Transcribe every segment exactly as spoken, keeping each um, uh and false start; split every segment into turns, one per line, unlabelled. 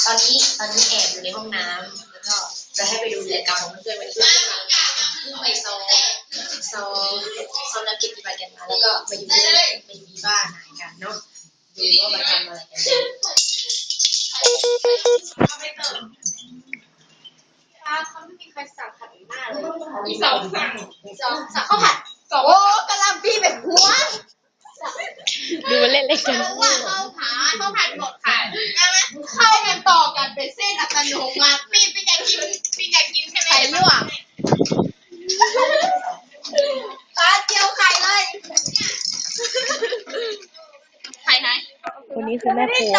ตอนนี้ตอนนี้แอบอยู่ในห้องน้ำแล้วก็จะให้ไปดูกิจกรรมของเพื่อนวันนี้เพื่อนมาเพิ่งไปซ้อมซ้อมซ้อมนักกีฬากันมาแล้วก็มาอยู่ที่มาอยู่ที่บ้านหายกันเนาะดูว่ามาทำอะไรกัน
เขาไม่มีใครสั่งผัดหน้าเลยมีสองสั่งสองสั่งข้าวผัดสองโอ้กะหล่ำปีแบบหัว
ดูมันเล่นเล่นกัน
ว่าข้าวผัดข้าวผัดหมดค่ะใช่ไหมเข้ากันต่อกันเป็นเส้นอัตโนมัติปีปีอยากกินปีอยากกินใช่ไหมไข่ลวกปลาเจียวไข่เลยไข่ไหน
คนนี้คือแม่ครัว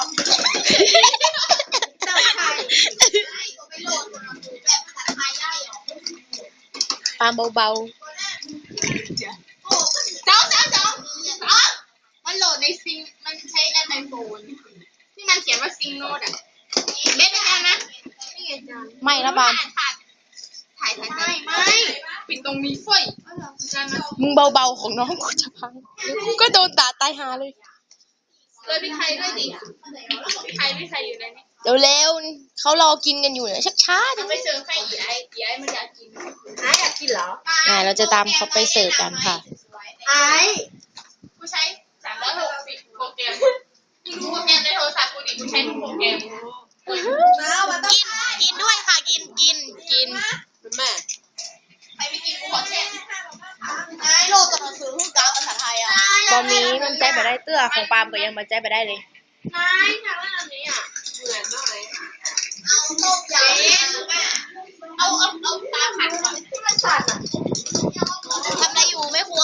ปาเบา
ๆเจ้าเจ้าเจ้ามันโหลดในซิงมันใช้แอปไอโฟนที่มันเขียนว่าซิงโนดอ่ะเล่นได้ไหม
ไม่ละปาม
ถ่ายถ่ายไม่ไม่ปิดตรงนี้เฟ้ย
มึงเบาๆของน้องกูจะพังกูก็โดนด่าตายหาเลย
เลยพี่ไทยด้วยดิพี่ไทยพี่ไทยอยู่ในนี้
เร็วๆเขารอกินกันอยู่เนี่ยชักช้า
จะไปเสิร์ฟให้อีไออีไอมันอยากกินไออยากกินเหรอ
อ่าเราจะตามเขาไปเสิร์ฟกันค่ะ
ไอกูใช้สามร้อยหกสิบโปรแกรมกูดูโปรแกรมในโทรศัพท์กูดิกูใช้ทุกโปรแกรม
กินกินด้วยค่ะกินกินกินแม่
ไปไม่กินกูขอแช่ไอโลกกำลังซื้อหุ้นกาภาษาไทยอ่ะ
ตอนนี้มันใจไปได้เตื้อของปาล์มก็ยังมาใจไปได้เลย
นายทำอะไรนี้อ่ะเหมือนหน่อยเอาต้มยำเอาเอาเอาปลาผัดก่อนที่มันสั่นอ่ะ
ทำอะไรอยู่แม่ครัว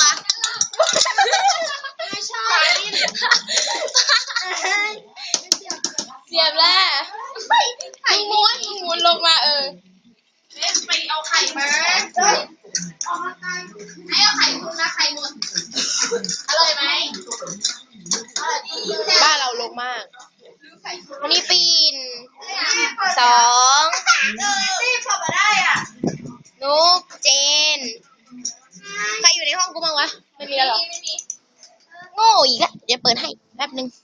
ไม่ใช่
เสียบแล้วมึงม้วนมึงม้วนลงมาเออ
ไปเอาไข่มาเอามาไข่ให้เอาไข่คุณนะไข่หมดอร่อยไหม
บ้านเราลงมากวันนี้ปีนสอง
รีบเข้ามาได้อ่ะ
นุกเจนใครอยู่ในห้องกูบ้างวะไม่มีแล้วหรอโง่อีกแล้วเดี๋ยวเปิดให้แป๊บนึง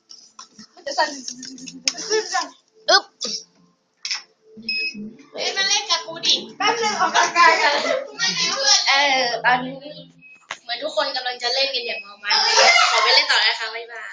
อึ๊บ
เอ้ยมาเล่นกับกูดิแป๊บนึงออกกำลังกายกัน
เออตอนนี้เหมือนทุกคนกำลังจะเล่นกันอย่างเมามันขอไปเล่นต่อนะคะบ๊ายบาย